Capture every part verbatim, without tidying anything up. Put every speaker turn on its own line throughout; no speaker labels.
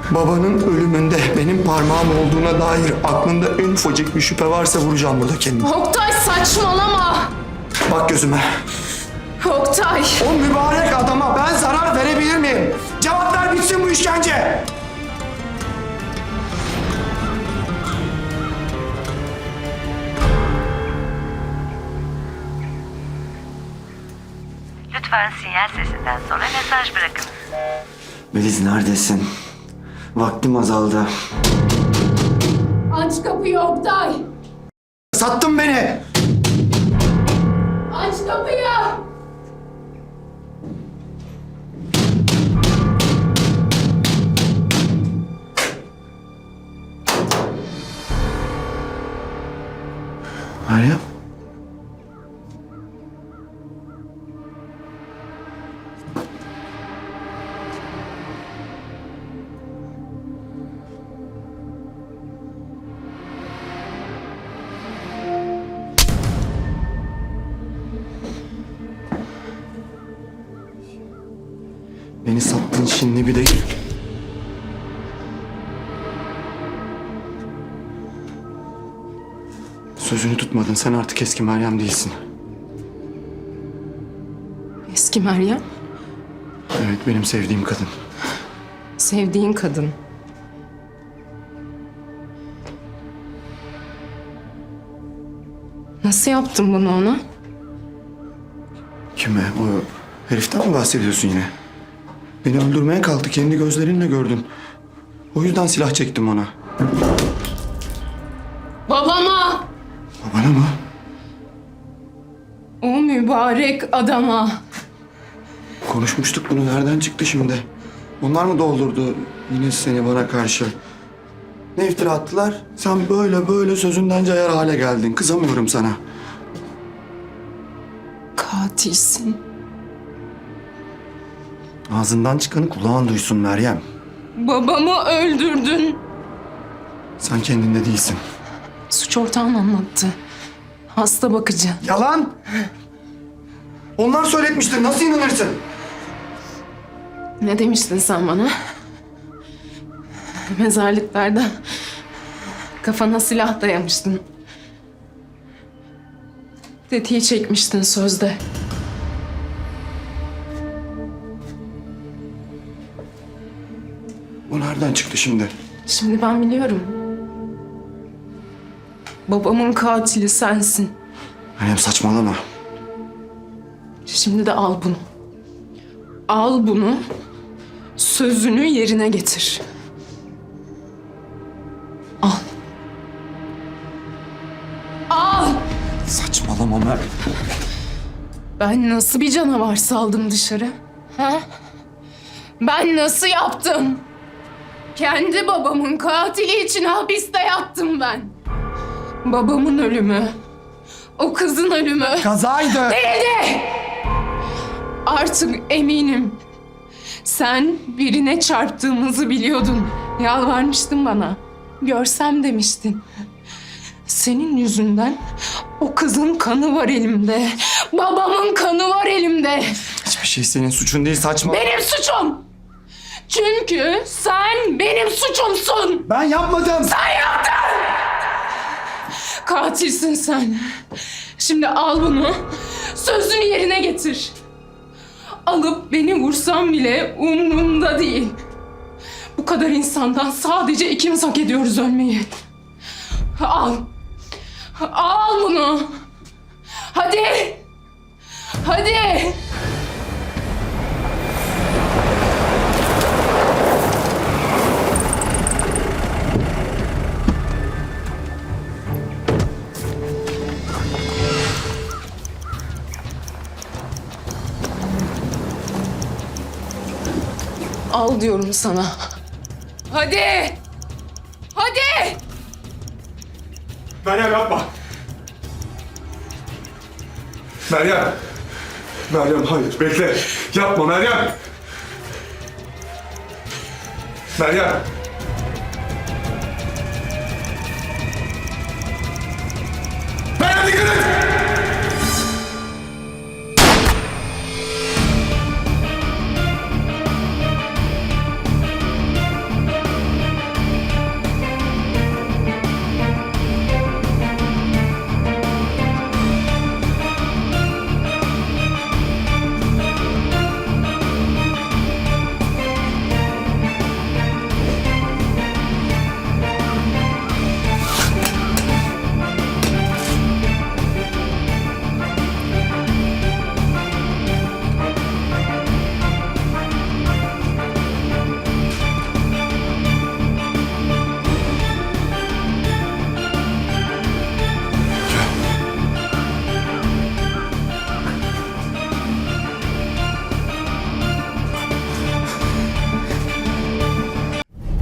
Babanın ölümünde benim parmağım olduğuna dair aklında en ufacık bir şüphe varsa vuracağım burada kendimi.
Oktay saçmalama.
Bak gözüme.
Oktay.
O mübarek adama ben zarar verebilir miyim? Cevap ver, bitsin bu işkence.
Lütfen sinyal sesinden sonra mesaj bırakınız.
Melis neredesin? Vaktim azaldı.
Aç kapıyı Oktay.
Sattın beni.
Aç kapıyı.
Meryem. Beni sattın şimdi bir de... Sözünü tutmadın. Sen artık eski Meryem değilsin.
Eski Meryem.
Evet, benim sevdiğim kadın.
Sevdiğin kadın. Nasıl yaptın bunu ona?
Kime? O heriften mi bahsediyorsun yine? Beni öldürmeye kalktı. Kendi gözlerinle gördün. O yüzden silah çektim ona.
Babama.
Babana mı?
O mübarek adama.
Konuşmuştuk bunu. Nereden çıktı şimdi? Onlar mı doldurdu yine seni bana karşı? Ne iftira attılar? Sen böyle böyle sözünden cayar hale geldin. Kızamıyorum sana.
Katilsin.
Ağzından çıkanı kulağın duysun Meryem.
Babamı öldürdün.
Sen kendinde değilsin.
Suç ortağın anlattı. Hasta bakıcı.
Yalan! Onlar söyletmiştir. Nasıl inanırsın?
Ne demiştin sen bana? Mezarlıklarda kafana silah dayamıştın. Tetiği çekmiştin sözde.
Bu nereden çıktı şimdi?
Şimdi ben biliyorum. Babamın katili sensin.
Meryem saçmalama.
Şimdi de al bunu. Al bunu. Sözünü yerine getir. Al. Al.
Saçmalama Meryem.
Ben nasıl bir canavar saldım dışarı? Ha? Ben nasıl yaptım? Kendi babamın katili için hapiste yattım ben. Babamın ölümü, o kızın ölümü
Kazaydı.
değildi. Artık eminim. Sen birine çarptığımızı biliyordun. Yalvarmıştın bana. Görsem demiştin. Senin yüzünden o kızın kanı var elimde. Babamın kanı var elimde.
Hiçbir şey senin suçun değil, saçma.
Benim suçum. Çünkü sen benim suçumsun.
Ben yapmadım.
Sen yaptın. Katilsin sen. Şimdi al bunu. Sözünü yerine getir. Alıp beni vursan bile umrumda değil. Bu kadar insandan sadece ikimiz hak ediyoruz ölmeyi. Al. Al bunu. Hadi. Hadi. Al diyorum sana. Hadi. Hadi.
Meryem yapma. Meryem. Meryem hayır bekle. Yapma Meryem. Meryem. Meryem dikkat et.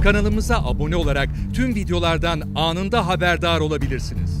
Kanalımıza abone olarak tüm videolardan anında haberdar olabilirsiniz.